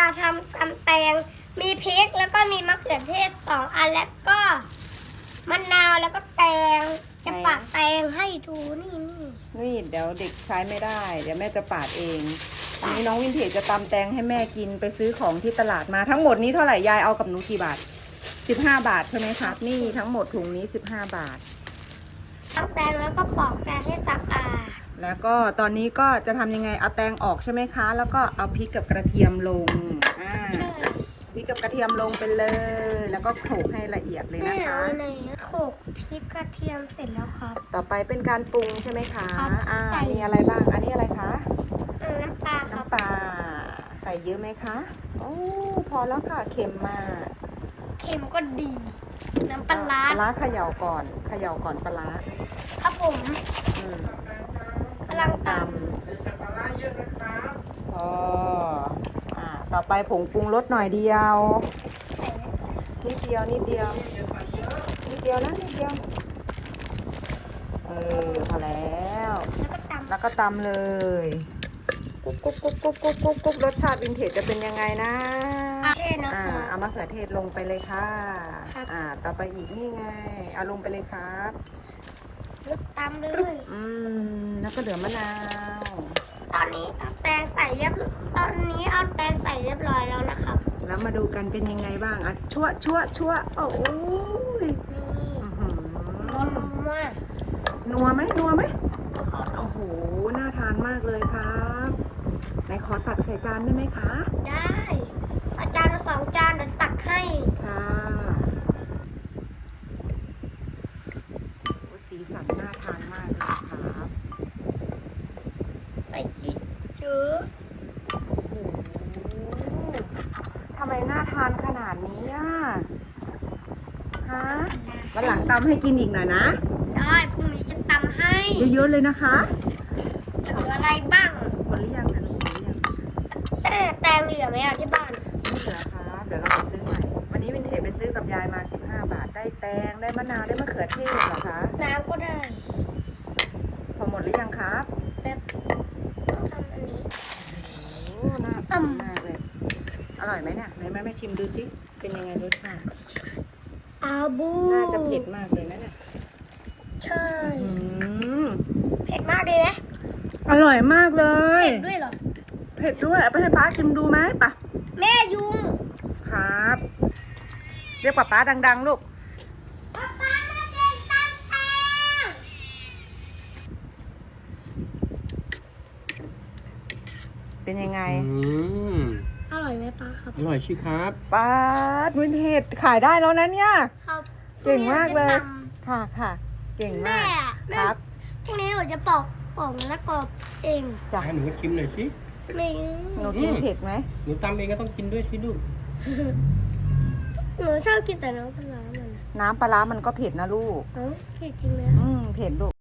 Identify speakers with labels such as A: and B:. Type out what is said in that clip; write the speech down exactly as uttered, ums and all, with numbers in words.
A: ทำตำแตงมีพริกแล้วก็มีมะเขือเทศสองอันแล้วก็มะนาวแล้วก็แตงจะปาดแตงให้ดูนี่นี่
B: นี่เดี๋ยวเด็กใช้ไม่ได้ เดี๋ยวแม่จะปาดเองอันนี้น้องวินเทจจะตำแตงให้แม่กินไปซื้อของที่ตลาดมาทั้งหมดนี้เท่าไหร่ยายเอากับหนูกี่บาทสิบห้าบาทใช่ไหมครับนี่ทั้งหมดถุงนี้สิบห้าบาท
A: ตำแตงแล้วก็ปอกแตงให้สะอาด
B: แล้วก็ตอนนี้ก็จะทำยังไงเอาแตงออกใช่ไหมคะ แล้วก็เอาพริกกับกระเทียมลงอ่า
A: ใช่
B: พริกกับกระเทียมลงไปเลย แล้วก็โขลกให้ละเอียดเลย
A: แม่
B: นะคะ
A: เอาไหนโขลกพริกกระเทียมเสร็จแล้วครับ
B: ต่อไปเป็นการปรุงใช่ไหมคะ
A: ครับ
B: อ่า
A: ใส่
B: มีอะไรบ้างอันนี้อะไรคะ
A: เอาน้ำปลาครับ
B: น้ำปลาใส่เยอะไหมคะโอ้พอแล้วค่ะเค็มมาก
A: เค็มก็ดี น้ำปลาร้า
B: ปลาร้าเขย่าก่อนเขย่าก่อนปลาร้า
A: ครับผม
B: อืม
A: กำลังต
B: พออ่าต่อไปผงปรุงรสหน่อยเดียว
A: ำใส่แล้ว
B: นิดเดียวนิดเดียวนิดเดียวนะนิดเดียวเออพอแล้ว
A: แล้วก็ตำ
B: แล้วก็ตำเลยกุ๊กกุ๊กกุ๊กกุ๊กกุ๊กกุ๊กกุ๊กรสชาติวินเทจจะเป็นยังไงนะ
A: เท่นะ
B: อ่า
A: คะ
B: เอามะเขือเทศลงไปเลยค่ะ
A: ครับ
B: อ่าต่อไปอีกนี่ไงเอาลงไปเลยครับ
A: แล้วตำเลย
B: อืมแล้วก็เหลือมะนาว
A: ตอนนี้เอาแตงใส่เรียบตอนนี้เอาแตงใส่เรียบร้อยแล้วนะครับ
B: แล้วมาดูกันเป็นยังไงบ้างอ่ะชั่วชั่วชั่วโอ้ย
A: นี่
B: อื้อหือ
A: นัวนัว
B: นัวไหมนัวไหมโอ้โหน่าทานมากเลยครับไหนขอตักใส่จานได้ไหมคะ
A: ได้อาจารย์มาสองจานเดี๋ยวตักให้
B: ค่ะโอ้สีสันน่าทานมากเลยครับ
A: ใส่เยอะ
B: โอ้โหทำไมน่าทานขนาดนี้อ่ะฮะวันหลังตำให้กินอีกหน่อยนะ
A: ได้พรุ่งนี้จะตำให้
B: เยอะๆเลยนะคะ
A: เหลืออะไรบ้าง
B: หมดหรือยังนะลูกหมดหรือยัง
A: แต่แตงเหลือไหมอ่ะที่บ้าน
B: ไม่เหลือครับเดี๋ยวเราไปซื้อใหม่วันนี้วินเทจไปซื้อกับยายมาสิบห้าบาทได้แตงได้มะนาวได้มะเขือเทศเหรอคะ
A: น้ำก็ได้
B: พอหมดหรือยังครับ
A: แบบทำอันนี้
B: โอ้น่าทานมากเลย อร่อยไหมเนี่ยไหนแม่แม่ชิมดูสิเป็นยังไงรสชาติ
A: อาบู
B: น่าจะเผ็ดมากเลยนะเนี่ย
A: ใช่
B: อืม
A: เผ็ดมากเลยไหม
B: อร่อยมากเลย
A: เผ็ดด้วยเหรอ
B: เผ็ดด้วยเอาไปให้ป้าชิมดูไหมปะ
A: แม่ยุง
B: ครับ เรียกป้าป้าดังๆลูก
A: ป๊าป๊ามาเล่นตำแตง
B: เป็นยังไง
C: อืม
A: อร่อยไหมป้าครับ
C: อร่อยชิครับ
B: ป้าวินเทจขายได้แล้วนะเนี่ย
A: ครับ
B: เก่งมากเลย
A: พรุ่งนี้
B: ค่ะค่ะ เก่ง
A: หนูจะตำแม่
B: มาก
A: อะแม่
B: ครับ
A: พรุ่งนี้หนูจะปอกปอกแล้วกรอบเอง
B: จ้ะ
C: ให้หนูก็ชิมหน่อยสิ
A: ไม่
B: หนูกินเผ็ดไหม
C: หนูตำเองก็ต้องกินด้วยสิลูก
A: หนูชอบกินแต่น้ำปลาร้ามันอะ
B: น้ำปลาร้ามันก็เผ็ดนะลูก
A: เอ้าเผ็ดจริงเลย
B: อืมเผ็ดลูก